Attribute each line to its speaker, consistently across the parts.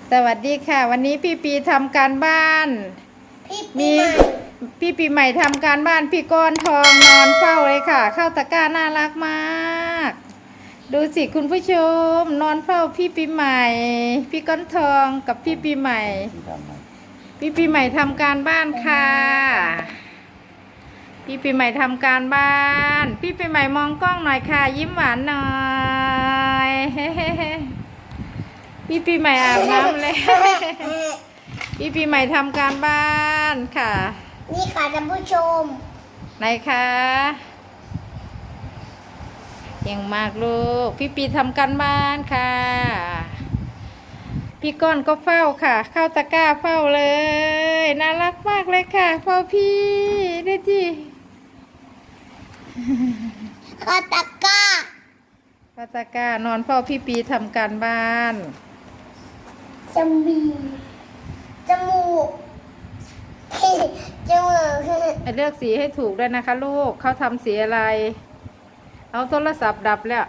Speaker 1: สวัสดีค่ะวันนี้พี่ปีทำการบ้านมีพี่ปีใหม่ทำการบ้านพี่ก้อนทองนอนเฝ้าเลยค่ะเข้าตะกร้าน่ารักมากดูสิคุณผู้ชมนอนเฝ้าพี่ปีใหม่พี่ก้อนทองกับพี่ปีใหม่พี่ปีใหม่ทำการบ้านค่ะพี่ปีใหม่ทำการบ้านพี่ปีใหม่มองกล้องหน่อยค่ะยิ้มหวานหน่อยเฮ้พี่ปีใหม่อาบน้ำเลยพี่ปีใหม่ทำการบ้านค่ะ
Speaker 2: นี่ค่ะท่านผู้ชม
Speaker 1: ไหนคะเก่งมากลูกพี่ปีทำการบ้านค่ะพี่ก้อนก็เฝ้าค่ะเข้าตะกร้าเฝ้าเลยน่ารักมากเลยค่ะเฝ้าพี่ดูสิ
Speaker 2: ข้าตะกร้า
Speaker 1: เข้าตะกร้านอนเฝ้าพี่ปีทำการบ้าน
Speaker 2: จมูกจมูกจมูก
Speaker 1: เลือกสีให้ถูกด้วยนะคะลูกเขาทำสีอะไรเอาโทรศัพท์ดับแล้ว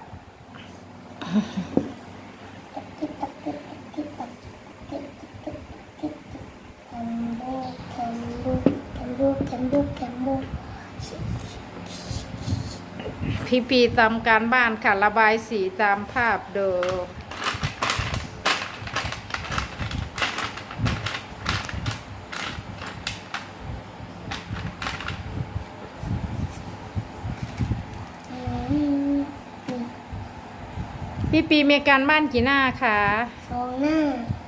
Speaker 1: พี่ปีทำการบ้านค่ะระบายสีตามภาพดูพี่ปีมีการบ้านกี่หน้าคะ
Speaker 2: 2 หน้า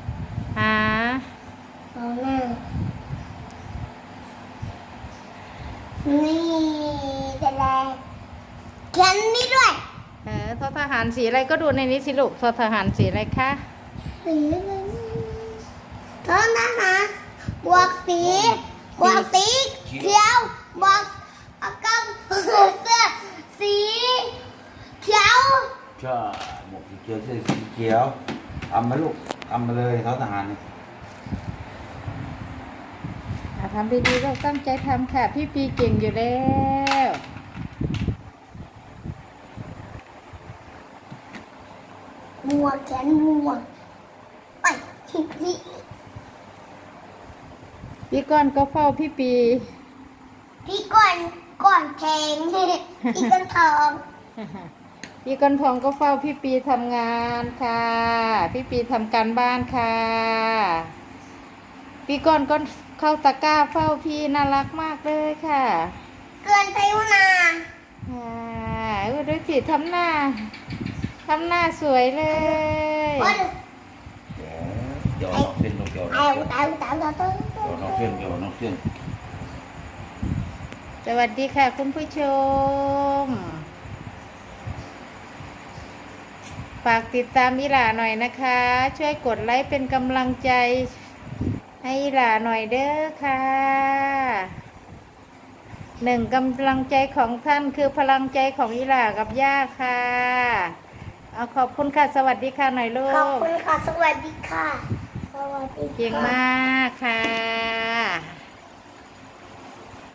Speaker 2: 2 หน้านี่เสร็จแล้วเขียนนี่ด้วย
Speaker 1: ทอทหารสีอะไรก็ดูในนี้สิลูกทอทหารสีอะไรคะ
Speaker 2: สีทอทหารบวกสีเขียวบวกกับเสื้อสีเขียว
Speaker 3: ใช่หมวกสีเขียวเสื้อสีเขียวเอามาลูกเอามาเลยเขาทหารเนี่ย
Speaker 1: ทำดีๆเราตั้งใจทำค่ะพี่ปีเก่งอยู่แล้ว
Speaker 2: หมวกแขนหมวกไป
Speaker 1: พี่ก้อนก็เฝ้าพี่ปี
Speaker 2: พี่ก่อนแทงพี่ก้อนทอง
Speaker 1: พี่ก้อนทองก็เฝ้าพี่ปีทำงานค่ะพี่ปีทำการบ้านค่ะพี่ก้อนก็เข้าตะกร้าเฝ้าพี่น่ารักมากเลยค่ะ
Speaker 2: เกินไปวนา
Speaker 1: ดูสิทำหน้าสวยเลย
Speaker 3: เดี๋ยวนอกเส้นนกเกี่ยวนอกเส้น
Speaker 1: สวัสดีค่ะคุณผู้ชมฝากติดตามอีหล่าหน่อยนะคะช่วยกดไลค์เป็นกำลังใจให้อีหล่าหน่อยเด้อค่ะ1 กำลังใจของท่านคือพลังใจของอีหล่ากับย่าค่ะเอาขอบคุณค่ะสวัสดีค่ะหน่อยลูก
Speaker 2: ขอบคุณค่ะสวัสดีค่ะสวัสดี
Speaker 1: เก่งมากค่ะ